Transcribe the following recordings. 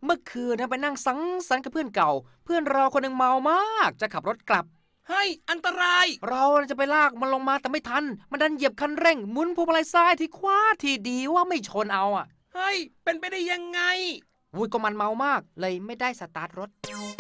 มื่อคืนนะไปนั่งสังสรรค์กับเพื่อนเก่าเพื่อนเราคนหนึ่งเมามากจะขับรถกลับเฮ้ยอันตรายเราจะไปลากมันลงมาแต่ไม่ทันมันดันเหยียบคันเร่งหมุนพวงมาลัยซ้ายที่ขวาที่ดีว่าไม่ชนเอาอ่ะเฮ้ยเป็นไปได้ยังไงวุ้ยก็มันเมามากเลยไม่ได้สตาร์ทรถ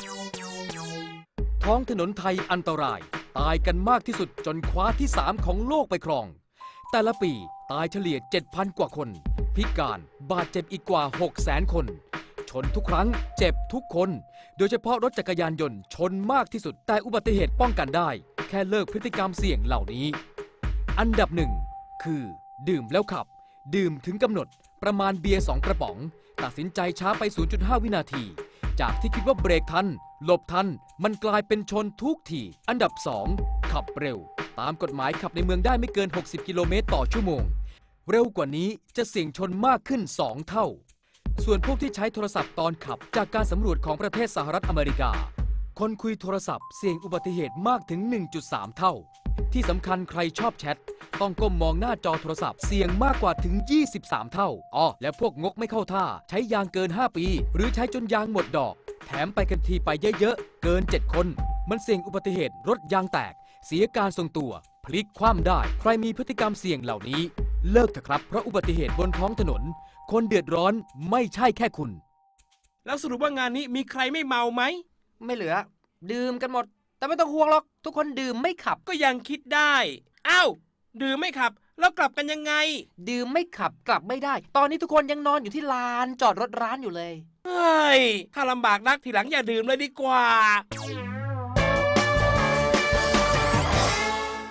ท้องถนนไทยอันตรายตายกันมากที่สุดจนคว้าที่ 3 ของโลกไปครองแต่ละปีตายเฉลี่ย 7,000 กว่าคนพิการบาดเจ็บอีกกว่า 600,000 คนชนทุกครั้งเจ็บทุกคนโดยเฉพาะรถจักรยานยนต์ชนมากที่สุดแต่อุบัติเหตุป้องกันได้แค่เลิกพฤติกรรมเสี่ยงเหล่านี้อันดับหนึ่งคือดื่มแล้วขับดื่มถึงกำหนดประมาณเบียร์2 กระป๋องตัดสินใจช้าไป 0.5 วินาทีจากที่คิดว่าเบรกทันหลบทันมันกลายเป็นชนทุกทีอันดับ 2 ขับเร็วตามกฎหมายขับในเมืองได้ไม่เกิน 60 กิโลเมตรต่อชั่วโมงเร็วกว่านี้จะเสี่ยงชนมากขึ้น 2 เท่าส่วนพวกที่ใช้โทรศัพท์ตอนขับจากการสำรวจของประเทศสหรัฐอเมริกาคนคุยโทรศัพท์เสี่ยงอุบัติเหตุมากถึง 1.3 เท่าที่สำคัญใครชอบแชทต้องก้มมองหน้าจอโทรศัพท์เสี่ยงมากกว่าถึง 23 เท่าและพวกงกไม่เข้าท่าใช้ยางเกิน 5 ปีหรือใช้จนยางหมดดอกแถมไปกันทีไปเยอะๆเกิน 7 คนมันเสี่ยงอุบัติเหตุรถยางแตกเสียการทรงตัวพลิกคว่ำได้ใครมีพฤติกรรมเสี่ยงเหล่านี้เลิกเถอะครับเพราะอุบัติเหตุบนท้องถนนคนเดือดร้อนไม่ใช่แค่คุณแล้วสรุปว่างานนี้มีใครไม่เมาไหมไม่เหลือดื่มกันหมดแต่ไม่ต้องห่วงหรอกทุกคนดื่มไม่ขับก็ยังคิดได้อ้าวดื่มไม่ขับแล้วกลับกันยังไงดื่มไม่ขับกลับไม่ได้ตอนนี้ทุกคนยังนอนอยู่ที่ลานจอดรถร้านอยู่เลยเฮ้ยถ้าลำบากนักทีหลังอย่าดื่มเลยดีกว่า